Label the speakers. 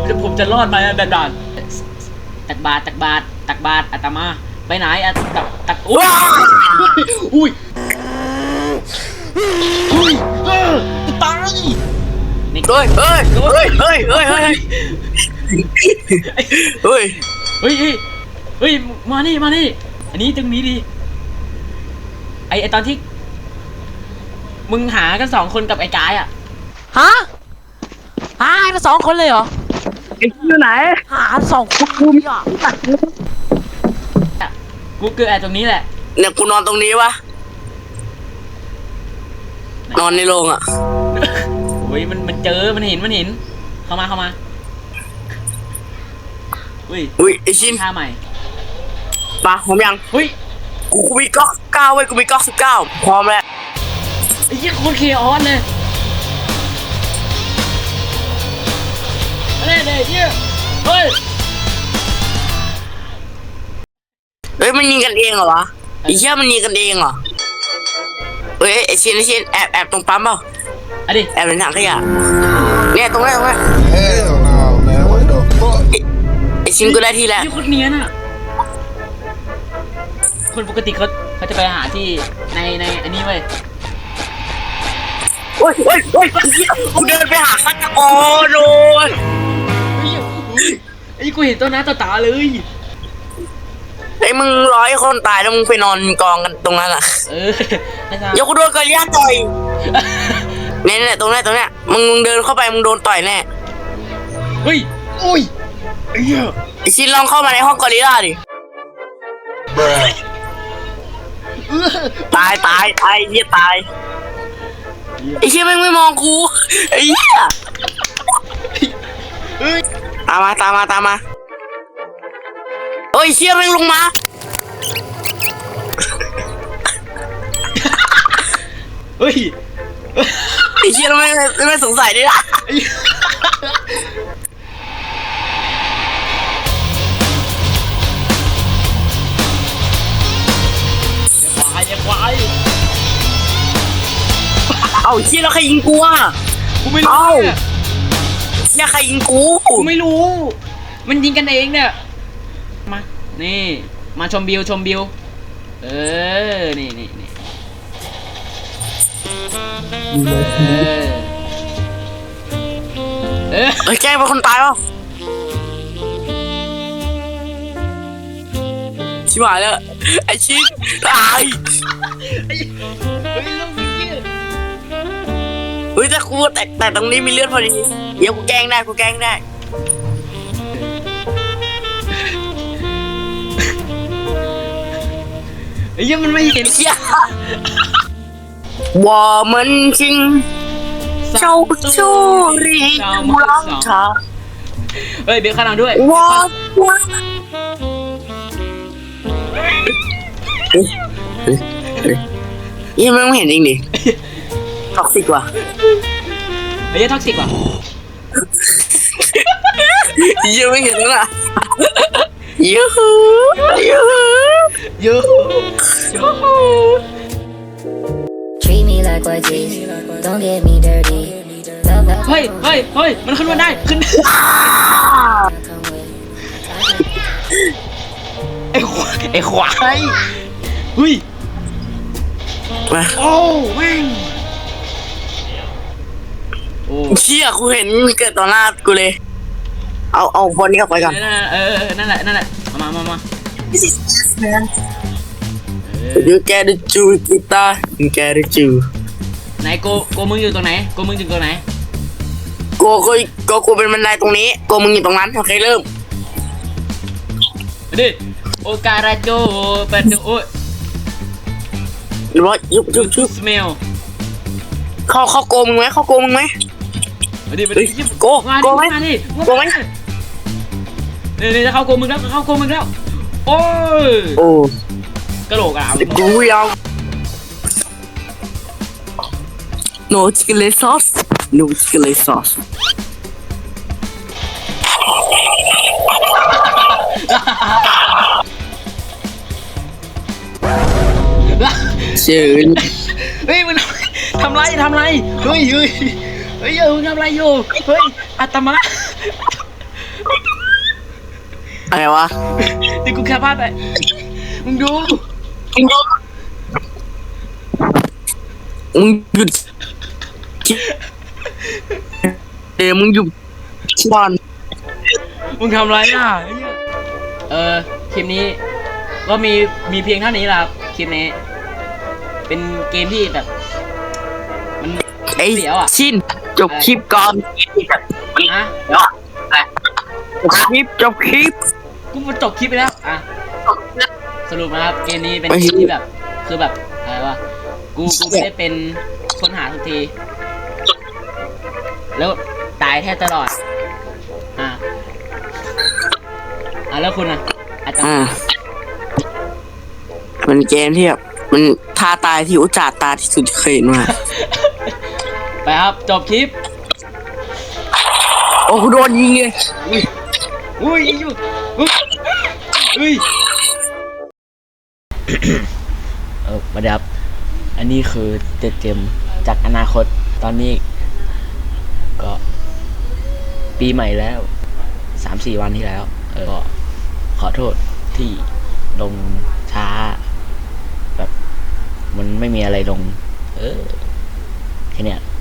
Speaker 1: ผมจะรอดไหมด่านตักบาตรอาตมาไปไหนตักอุ้ยอุ้ยตายนี่
Speaker 2: เฮ้ย
Speaker 1: มานี่อันนี้ตรงนี้ดิไอตอนที่มึงหากัน2 คนกับไอ้กายอะฮะกัน2 คนเลยเหรอ
Speaker 2: ไอ้อยู่ไหน
Speaker 1: หา2 คนกูอ่ะกูเกิดตรงนี้แหละ
Speaker 2: เนี่ยกูนอนตรงนี้วะนอนในโรงอ่ะ
Speaker 1: โอ้ยมันเจอมันเห็นเข้ามา
Speaker 2: อุ้ยไอชิน
Speaker 1: ท่าใหม่
Speaker 2: มาผมยังกูมีก๊อก9เว้ยกูมีก๊อก19พร้อมแล้ว
Speaker 1: ไอ้ยี่โคตรเคออสเลยอะไรเนี่ยยี่เฮ้ย
Speaker 2: มันยิงกันเองเหรอวะไอ้เหี้ยมันยิงกันเองเหรอเฮ้ยไอชินแอบตรงปั๊มเปล่าแอบเป็นถังขยะเนี่ยตรงนี้ไอชินก็ได้ที่แล้ว
Speaker 1: ยี่โคตรเนียนอ่ะคนปกติเขาจะไปหาที่ในอันนี้เว้ย
Speaker 2: โอ้ยกูเดินไปหาฆาตกรโดน
Speaker 1: ไอ้กูเห็นต้นน้าต่อตาเลย
Speaker 2: ไอ้มึง100 คนตายแล้วมึงไปนอนกองกันตรงนั้นอ่ะยกกูโดนกอริลลาต่อยเนี่ยตรงนี้มึงเดินเข้าไปมึงโดนต่อยแน่
Speaker 1: อุ้ย
Speaker 2: ไอ้ชินลองเข้ามาในห้องกอริลลาดิตายเหี้ยตายไอ้เชี่ยไม่มองกูไอ้เหี้ยตามมาโอ้ยเชี่ยไม่ลงมา
Speaker 1: เฮ้ย
Speaker 2: ไอ้เชี่ยไม่สงสัยดิล่ะ
Speaker 1: อย่าควาย
Speaker 2: เอาเชี่ยแล้วใครยิงกูอ่ะ
Speaker 1: กูไม่รู้
Speaker 2: เนี่ยใครยิงกู
Speaker 1: ไม่รู้มันยิงกันเองเนี่ยมานี่มาชมบิวนี่
Speaker 2: แกล้งเป็นคนตายป่ะชิบหายแล้วไอ้ชินตายแต่กูแต่ตรงนี้มีเลือดพอดีเดี๋ยวกูแกล้งได้
Speaker 1: ไอ้ยังมันไม่เห็น
Speaker 2: ว่ามันจริงเจ้าชู้รีกูรักเธอ
Speaker 1: เฮ้ยเบียร์ข้างหลังด้วย
Speaker 2: ว่ายังไม่เห็นจริงดิท็อกซิกว่ะ
Speaker 1: ไอ้ยังท็อกซิกว่ะ
Speaker 2: ยังไม่เห็นแล้วล่ะยู
Speaker 3: Treat me like white teeth, don't get me dirty.
Speaker 1: เฮ้ยมันขึ้นมาได้ขึ้นไอ้ควายเฮ้ยโอ้แม่ง
Speaker 2: เชี่ยกูเห็นเกิดต่อหน้ากูเลยเอาบอลนี้ออกไปก่อน
Speaker 1: นั่นแหละมา
Speaker 2: This is us man You get the Jew guitar You get the Jew
Speaker 1: ไหนโกมึงอยู่ตรงไหนโกมึงอยู่ตรงไหน
Speaker 2: กูเป็นบันไดตรงนี้โกมึงอยู่ตรงนั้นโอเคเริ่ม
Speaker 1: ดิโอการาโจเป็นโอ้ย
Speaker 2: หรือว่ายุบ
Speaker 1: สเมล
Speaker 2: เข้าโกมึงไหม
Speaker 1: ดิ
Speaker 2: โกไหม
Speaker 1: เนี่ยจะเข้าโกมึงแล้วโอ้ยกระโหลกอ่ะ
Speaker 2: กูยาว No chicken sauce ชื่อ
Speaker 1: เฮ้ยมันทำไรเฮ้ยมึงทำไรอยู่เฮ้ยอาตมา
Speaker 2: อะไรวะ
Speaker 1: นี่กูแค่พลาดไปมึงดู
Speaker 2: มึงหยุดมึงหยุดบอล
Speaker 1: มึงทำไรอ่ะคลิปนี้ก็มีเพียงเท่านี้แหละครับคลิปนี้ เป็นเกมที่แบบ มัน
Speaker 2: ไอ้
Speaker 1: เสียวอ่ะ
Speaker 2: ชินจบคลิปก่อน
Speaker 1: ฮะ
Speaker 2: จบคลิป
Speaker 1: กูมาจบคลิปไปแล้วอ่ะสรุปนะครับเกมนี้เป็นเกมที่แบบคือแบบอะไรวะกูไม่ได้เป็นคนหาทุกที แล้วตายแทบตลอดแล้วคุณอ่ะอาจารย์
Speaker 2: มันเกมที่แบบมันท่าตายที่อุจจาตาที่สุดที่เคยเห็นมา
Speaker 1: ไปครับจบคลิป
Speaker 2: โอ้กูโดนยิงเลย
Speaker 1: อุ้ยยิงอยู่อุ้ยมาเดี๋ยวครับอันนี้คือเจ็ดเกมจากอนาคตตอนนี้ก็ปีใหม่แล้ว 3-4 วันที่แล้วก็ขอโทษที่ลงช้าแบบมันไม่มีอะไรลงแค่เนี้ย